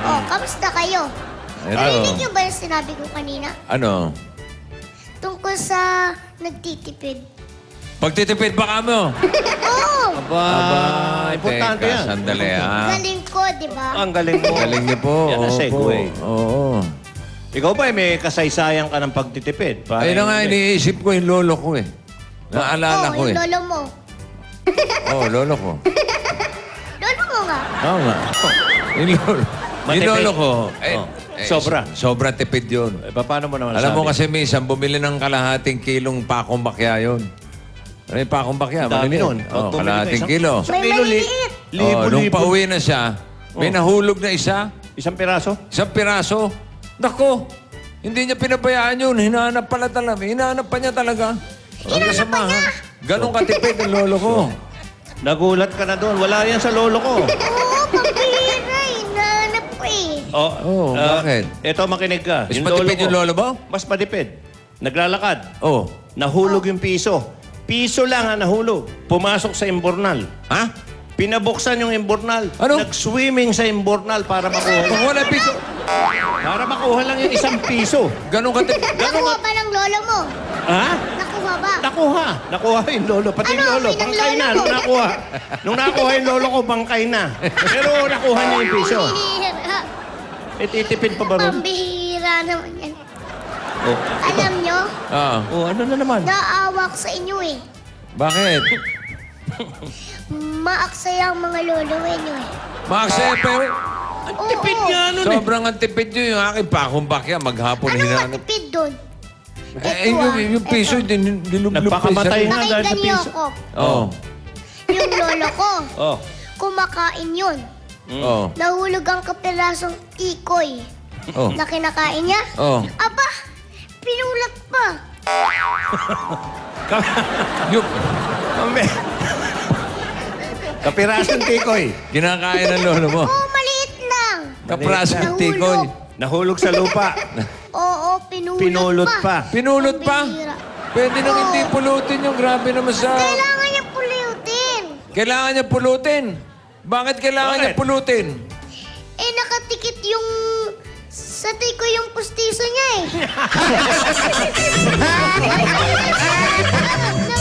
Oh, kamusta kayo? Eto. Narinig niyo ba yung sinabi ko kanina? Ano? Tungkol sa nagtitipid. Pagtitipid ba ka mo? Oo! Importante teka, yan. sandali ha. Galing ko, di ba? Ang galing mo. Galing niyo po. Yan ang Opo. segue. Oo. Ikaw ba, may kasaysayan ka ng pagtitipid? Ayun na nga, iniisip ko yung lolo ko eh. Naalala ko yung eh. lolo mo. Oo, lolo ko. Lolo mo nga. Oo nga. Yung lolo. Yung Matipid. lolo ko. Oh, sobra. Sobra tipid yun. Paano mo naman Alam mo sabi? kasi minsan, bumili ng kalahating kilong pakong bakya yun. Ano yung pakong bakya? Ang dami Maliliit. nun. Oo, Pag bumili ka kalahating isang- kilo. Isang May kilo, maliliit. Nung pauwi na siya, may nahulog na Isang piraso? isang piraso. Nako, hindi niya pinabayaan yun. Hinahanap pala talaga. Hinahanap pa niya talaga. Hinahanap pa niya? Ganon katipid ang lolo ko. Nagulat ka na doon. Wala yan sa lolo ko. Oo, pambihira eh. Nahanap ko eh. Oh, bakit? Ito, makinig ka. Mas matipid yung lolo mo? Mas matipid. Naglalakad. Oh. Nahulog yung piso. Piso lang ang nahulog. Pumasok sa imbornal. Ha? Pinabuksan yung imbornal. Ano? Nag-swimming sa imbornal para makuha. Pag wala piso. Para makuha lang yung isang piso. Ganon katipid. Nakuha ba ng lolo mo? Ha? Nakuha ba? Nakuha. Nakuha yung lolo. Pati yung Ano, lolo. amoy ng Bangkay lolo na. mo? Nung nakuha. Nung nakuha yung lolo ko, bangkay na. Pero nakuha niya yung piso. Pambihira. Ititipid pa ba ron? Pambihira naman yan. Oh. Alam nyo, Ah, Oh, ano na naman? naawa ko sa inyo eh. bakit? Maaksaya ang mga lolo nyo eh. Maaksaya, pero Oo, Tipid nga nun eh. sobrang antipid yun yung aking pakong bakya. Maghapon Anong hinahanap. matipid doon? Eh, yung piso, dinilublob Nagpakamatay nga dahil sa Pakinggan niyo piso. ako. Oo. Yung lolo ko, Oh. kumakain yun. Oo. Nahulog ang kapirasong tikoy Oo. na kinakain niya. Oo. Aba, pinulat pa. Yung Kami. Kapirasong tikoy. kinakain ng lolo mo. Oo, maliit lang. Kaprasong Nahulog. tikoy. Nahulog sa lupa. Oo, pinulot, Pinulot pa. Pinulot pa? Pambihira. Pwede nang hindi pulutin yung grabe naman sa... Kailangan niya pulutin. Kailangan niya pulutin. Bakit kailangan niya Bakit? pulutin? Eh, nakatikit yung... Sa tikoy yung pustiso niya eh.